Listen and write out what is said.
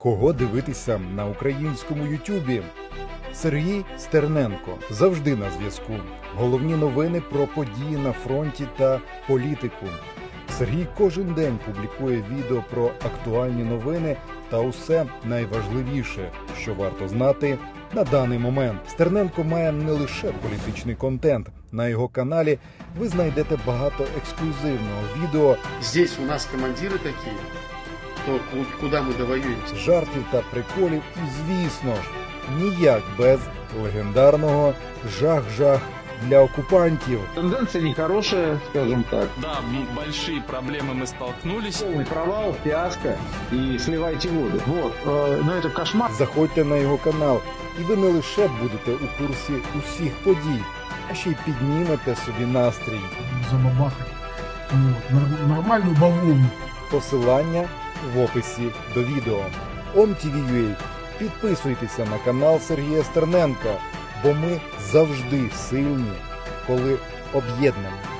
Кого дивитися на українському Ютубі? Сергій Стерненко завжди на зв'язку. Головні новини про події на фронті та політику. Сергій кожен день публікує відео про актуальні новини та усе найважливіше, що варто знати на даний момент. Стерненко має не лише політичний контент. На його каналі ви знайдете багато ексклюзивного відео. Здесь у нас командиры такие, то куда мы довоюемся. Жартів та приколів і, звісно ж, ніяк без легендарного «жах-жах» для окупантів. Тенденция нехорошая, скажем так. Да, большие проблемы мы столкнулись. Полный провал, фиаско и сливайте воду. Вот, но это кошмар. Заходьте на його канал, і ви не лише будете у курсі усіх подій, а ще й піднімете собі настрій. Забабахать. Вот, нормальную бавовну. Посилання в описі до відео. OMTV.ua. Підписуйтеся на канал Сергія Стерненка, бо ми завжди сильні, коли об'єднані.